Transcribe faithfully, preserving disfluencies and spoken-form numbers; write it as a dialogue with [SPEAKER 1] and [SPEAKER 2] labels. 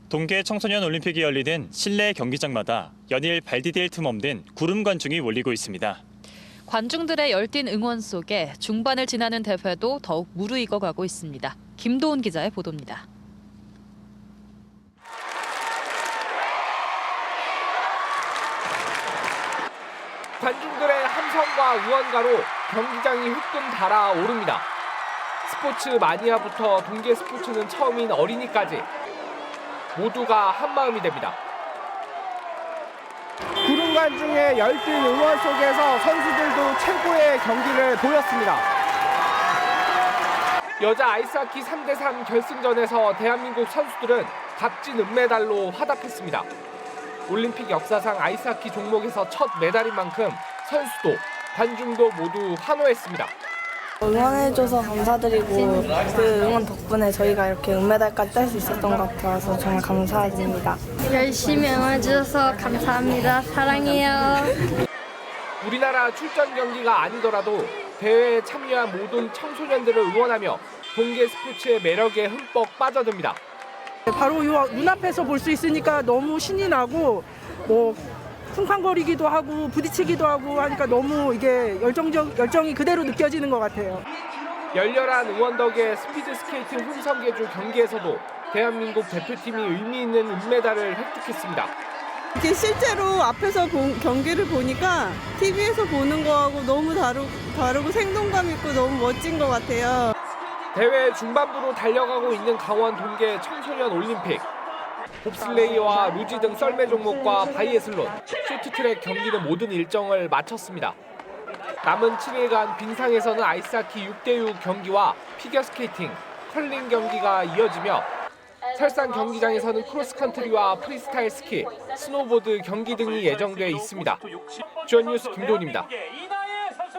[SPEAKER 1] 동계 청소년 올림픽이 열리는 실내 경기장마다 연일 발 디딜 틈 없는 구름 관중이 몰리고 있습니다.
[SPEAKER 2] 관중들의 열띤 응원 속에 중반을 지나는 대회도 더욱 무르익어가고 있습니다. 김도훈 기자의 보도입니다.
[SPEAKER 3] 관중들의 함성과 응원가로 경기장이 후끈 달아오릅니다. 스포츠 마니아부터 동계 스포츠는 처음인 어린이까지 모두가 한마음이 됩니다.
[SPEAKER 4] 구름 관중의 열띤 응원 속에서 선수들도 최고의 경기를 보였습니다.
[SPEAKER 3] 여자 아이스하키 삼 대 삼 결승전에서 대한민국 선수들은 값진 은메달로 화답했습니다. 올림픽 역사상 아이스하키 종목에서 첫 메달인 만큼 선수도 관중도 모두 환호했습니다.
[SPEAKER 5] 응원해줘서 감사드리고 그 응원 덕분에 저희가 이렇게 은메달까지 딸 수 있었던 것 같아서 정말 감사드립니다.
[SPEAKER 6] 열심히 응원해주셔서 감사합니다. 사랑해요.
[SPEAKER 3] 우리나라 출전 경기가 아니더라도 대회에 참여한 모든 청소년들을 응원하며 동계 스포츠의 매력에 흠뻑 빠져듭니다.
[SPEAKER 4] 바로 요 눈앞에서 볼 수 있으니까 너무 신이 나고 뭐 쿵쾅거리기도 하고 부딪히기도 하고 하니까 너무 이게 열정적, 열정이 그대로 느껴지는 것 같아요.
[SPEAKER 3] 열렬한 응원 덕에 스피드 스케이팅 혼성계주 경기에서도 대한민국 대표팀이 의미 있는 은메달을 획득했습니다.
[SPEAKER 7] 이게 실제로 앞에서 보, 경기를 보니까 티비에서 보는 거하고 너무 다르, 다르고 생동감 있고 너무 멋진 것 같아요.
[SPEAKER 3] 대회 중반부로 달려가고 있는 강원 동계 청소년 올림픽. 봅슬레이와 루지 등 썰매 종목과 바이애슬론, 쇼트트랙 경기는 모든 일정을 마쳤습니다. 남은 칠 일간 빙상에서는 아이스하키 육 대 육 경기와 피겨스케이팅, 컬링 경기가 이어지며 설상 경기장에서는 크로스컨트리와 프리스타일 스키, 스노보드 경기 등이 예정돼 있습니다. 주연뉴스 김도훈입니다.